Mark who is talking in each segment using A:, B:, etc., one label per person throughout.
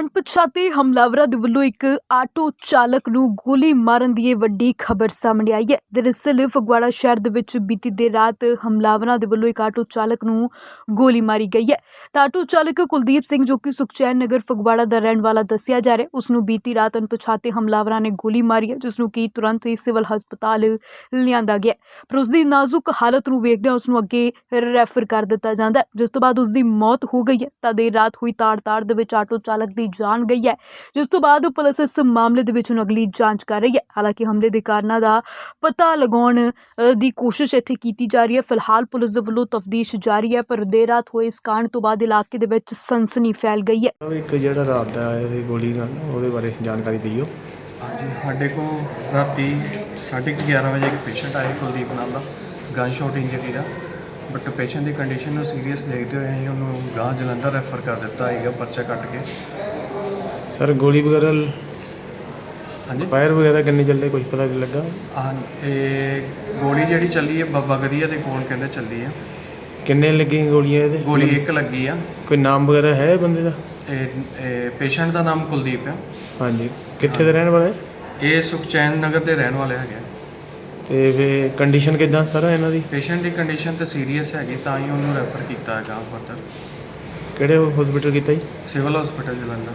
A: ਅਣਪਛਾਤੇ ਹਮਲਾਵਰਾਂ ਦੇ ਵੱਲੋਂ ਇੱਕ ਆਟੋ ਚਾਲਕ ਨੂੰ ਗੋਲੀ ਮਾਰਨ ਦੀ ਇਹ ਵੱਡੀ ਖਬਰ ਸਾਹਮਣੇ ਆਈ ਹੈ। ਦਰਅਸਲ ਫਗਵਾੜਾ ਸ਼ਹਿਰ ਦੇ ਵਿੱਚ ਬੀਤੀ ਦੇਰ ਰਾਤ ਹਮਲਾਵਰਾਂ ਦੇ ਵੱਲੋਂ ਇੱਕ ਆਟੋ ਚਾਲਕ ਨੂੰ ਗੋਲੀ ਮਾਰੀ ਗਈ ਹੈ। ਤਾਂ ਆਟੋ ਚਾਲਕ ਕੁਲਦੀਪ ਸਿੰਘ ਜੋ ਕਿ ਸੁਖਚੈਨ ਨਗਰ ਫਗਵਾੜਾ ਦਾ ਰਹਿਣ ਵਾਲਾ ਦੱਸਿਆ ਜਾ ਰਿਹਾ, ਉਸ ਨੂੰ ਬੀਤੀ ਰਾਤ ਅਣਪਛਾਤੇ ਹਮਲਾਵਰਾਂ ਨੇ ਗੋਲੀ ਮਾਰੀ ਹੈ, ਜਿਸ ਨੂੰ ਕਿ ਤੁਰੰਤ ਹੀ ਸਿਵਲ ਹਸਪਤਾਲ ਲਿਆਂਦਾ ਗਿਆ। ਪਰ ਉਸ ਦੀ ਨਾਜ਼ੁਕ ਹਾਲਤ ਨੂੰ ਵੇਖਦਿਆਂ ਉਸ ਨੂੰ ਅੱਗੇ ਰੈਫਰ ਕਰ ਦਿੱਤਾ ਜਾਂਦਾ ਹੈ, ਜਿਸ ਤੋਂ ਬਾਅਦ ਉਸ ਦੀ ਮੌਤ ਹੋ ਗਈ ਹੈ। ਤਾਂ ਦੇਰ ਰਾਤ ਹੋਈ ਤਾੜ ਦੇ ਵਿੱਚ ਆਟੋ ਚਾਲਕ ਦੀ ਜਾਨ ਗਈ ਹੈ, ਜਿਸ ਤੋਂ ਬਾਅਦ ਪੁਲਿਸ ਇਸ ਮਾਮਲੇ ਦੇ ਵਿੱਚ ਹੁਣ ਅਗਲੀ ਜਾਂਚ ਕਰ ਰਹੀ ਹੈ। ਹਾਲਾਂਕਿ ਹਮਲੇ ਦੇ ਕਾਰਨਾਂ ਦਾ ਪਤਾ ਲਗਾਉਣ ਦੀ ਕੋਸ਼ਿਸ਼ ਇੱਥੇ ਕੀਤੀ ਜਾ ਰਹੀ ਹੈ। ਫਿਲਹਾਲ ਪੁਲਿਸ ਦੇ ਵੱਲੋਂ ਤਫਤੀਸ਼ ਜਾਰੀ ਹੈ, ਪਰ ਦੇਰ ਰਾਤ ਹੋਏ ਇਸ ਕਾਂਡ ਤੋਂ ਬਾਅਦ ਇਲਾਕੇ ਦੇ ਵਿੱਚ ਸਨਸਨੀ ਫੈਲ ਗਈ ਹੈ।
B: ਇੱਕ ਜਿਹੜਾ ਰਾਤ ਦਾ ਆਇਆ ਸੀ ਗੋਲੀ ਨਾਲ, ਉਹਦੇ ਬਾਰੇ ਜਾਣਕਾਰੀ ਦਿਓ।
C: ਹਾਂਜੀ, ਸਾਡੇ ਕੋਲ ਰਾਤੀ 11:30 ਵਜੇ ਇੱਕ ਪੇਸ਼ੈਂਟ ਆਇਆ ਕੁਲਦੀਪ ਨਾਮ ਦਾ, ਗਨ ਸ਼ਾਟ ਇੰਜਰੀ ਦਾ। ਬਟ ਪੇਸ਼ੈਂਟ ਦੀ ਕੰਡੀਸ਼ਨ ਨੂੰ ਸੀਰੀਅਸ ਦੇਖਦੇ ਹੋਏ ਅਸੀਂ ਉਹਨੂੰ ਗਾਂ ਜਲੰਧਰ ਰੈਫਰ ਕਰ ਦਿੱਤਾ ਹੈਗਾ ਪਰਚਾ ਕੱਟ ਕੇ।
B: ਸਰ ਗੋਲੀ ਵਗੈਰਾ
C: ਹਾਂਜੀ,
B: ਫਾਇਰ ਵਗੈਰਾ ਕਿੰਨੇ ਚੱਲੇ, ਕੁਝ ਪਤਾ ਨਹੀਂ ਲੱਗਾ?
C: ਇਹ ਗੋਲੀ ਜਿਹੜੀ ਚੱਲੀ ਹੈ ਬਾਬਾ ਗਰੀਆ ਦੇ ਕੋਲ ਕਹਿੰਦੇ ਚੱਲੀ ਹੈ।
B: ਕਿੰਨੇ ਲੱਗੀਆਂ ਗੋਲੀਆਂ ਇਹਦੇ?
C: ਗੋਲੀ ਇੱਕ ਲੱਗੀ ਆ।
B: ਕੋਈ ਨਾਮ ਵਗੈਰਾ ਹੈ ਬੰਦੇ ਦਾ?
C: ਇਹ ਪੇਸ਼ੈਂਟ ਦਾ ਨਾਮ ਕੁਲਦੀਪ ਹੈ।
B: ਹਾਂਜੀ, ਕਿੱਥੇ ਦੇ ਰਹਿਣ ਵਾਲੇ?
C: ਇਹ ਸੁਖਚੈਨ ਨਗਰ ਦੇ ਰਹਿਣ ਵਾਲੇ ਹੈਗੇ।
B: ਤੇ ਫਿਰ ਕੰਡੀਸ਼ਨ ਕਿੱਦਾਂ ਸਰ ਇਹਨਾਂ ਦੀ?
C: ਪੇਸ਼ੈਂਟ ਦੀ ਕੰਡੀਸ਼ਨ ਤਾਂ ਸੀਰੀਅਸ ਹੈਗੀ, ਤਾਂ ਹੀ ਉਹਨੂੰ ਰੈਫਰ ਕੀਤਾ ਹੈਗਾ ਫਰਦਰ।
B: ਕਿਹੜੇ ਹਸਪੀਟਲ ਕੀਤਾ ਜੀ?
C: Civil hospital Jalandhar.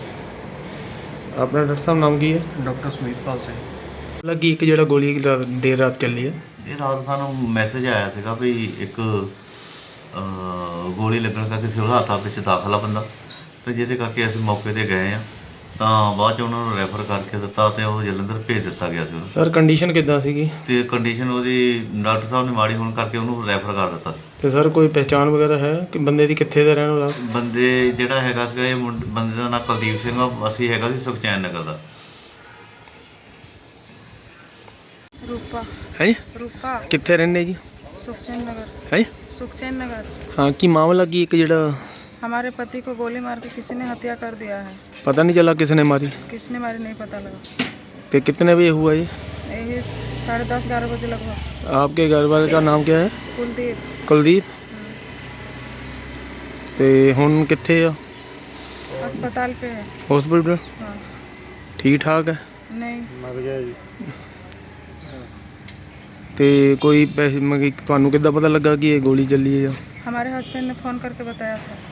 B: ਆਪਣਾ ਡਾਕਟਰ ਸਾਹਿਬ ਨਾਮ ਕੀ ਹੈ?
C: ਡਾਕਟਰ ਸੁਮੀਤਪਾਲ ਸਿੰਘ।
B: ਲੱਗੀ ਇੱਕ ਜਿਹੜਾ ਗੋਲੀ ਦੇਰ ਰਾਤ ਚੱਲੀ ਹੈ,
D: ਇਹ ਰਾਤ ਸਾਨੂੰ ਮੈਸੇਜ ਆਇਆ ਸੀਗਾ ਵੀ ਇੱਕ ਗੋਲੀ ਲੱਗਣ ਕਰਕੇ ਸਿਵਲ ਹਸਪਤਾਲ ਵਿੱਚ ਦਾਖਲ ਆ ਬੰਦਾ, ਤੇ ਜਿਹਦੇ ਕਰਕੇ ਅਸੀਂ ਮੌਕੇ 'ਤੇ ਗਏ ਆ। ਤਾਂ ਬਾਅਦ 'ਚ ਉਹਨਾਂ ਨੂੰ ਰੈਫਰ ਕਰਕੇ ਦਿੱਤਾ ਤੇ ਉਹ ਜਲੰਧਰ ਭੇਜ ਦਿੱਤਾ ਗਿਆ ਸੀ ਉਹਨੂੰ।
B: ਸਰ ਕੰਡੀਸ਼ਨ ਕਿੱਦਾਂ ਸੀਗੀ?
D: ਤੇ ਕੰਡੀਸ਼ਨ ਉਹਦੀ ਡਾਕਟਰ ਸਾਹਿਬ ਨੇ ਮਾੜੀ ਹੋਣ ਕਰਕੇ ਉਹਨੂੰ ਰੈਫਰ ਕਰ ਦਿੱਤਾ ਸੀ।
B: ਤੇ ਸਰ ਕੋਈ ਪਹਿਚਾਣ ਵਗੈਰਾ ਹੈ ਕਿ ਬੰਦੇ ਦੀ ਕਿੱਥੇ ਦਾ ਰਹਿਣ ਵਾਲਾ?
D: ਬੰਦੇ ਜਿਹੜਾ ਹੈਗਾ ਸੀਗਾ, ਇਹ ਬੰਦੇ ਦਾ ਨਾਮ ਕੁਲਦੀਪ ਸਿੰਘ ਆ, ਅਸੀਂ ਹੈਗਾ ਸੀ ਸੁਖਚੈਨ ਨਗਰ ਦਾ।
E: रूपा
B: ਹੈ
E: रूपा
B: ਕਿੱਥੇ ਰਹਿੰਦੇ ਜੀ?
E: सुखचैन नगर
B: ਹੈ
E: सुखचैन नगर।
B: ਹਾਂ, ਕੀ मामला की एक ਜਿਹੜਾ
E: हमारे पति को गोली मार के किसी ने हत्या कर दिया है।
B: पता नहीं चला किसने मारी?
E: किसने मारी नहीं पता लगा।
B: तो कितने बजे हुआ ये?
E: यही 10:30-11 बजे लगभग।
B: आपके घर वाले का नाम क्या है?
E: कुलदीप।
B: कुलदीप। तो हुन कित्थे आ?
E: अस्पताल पे है।
B: हॉस्पिटल?
E: हाँ।
B: ठीक ठाक है?
E: नहीं
B: मर गया जी। तो कोई पैसे तुहानू किद्दां पता लगा कि ये गोली चली है?
E: हमारे हस्बैंड ने फ़ोन करके बताया था।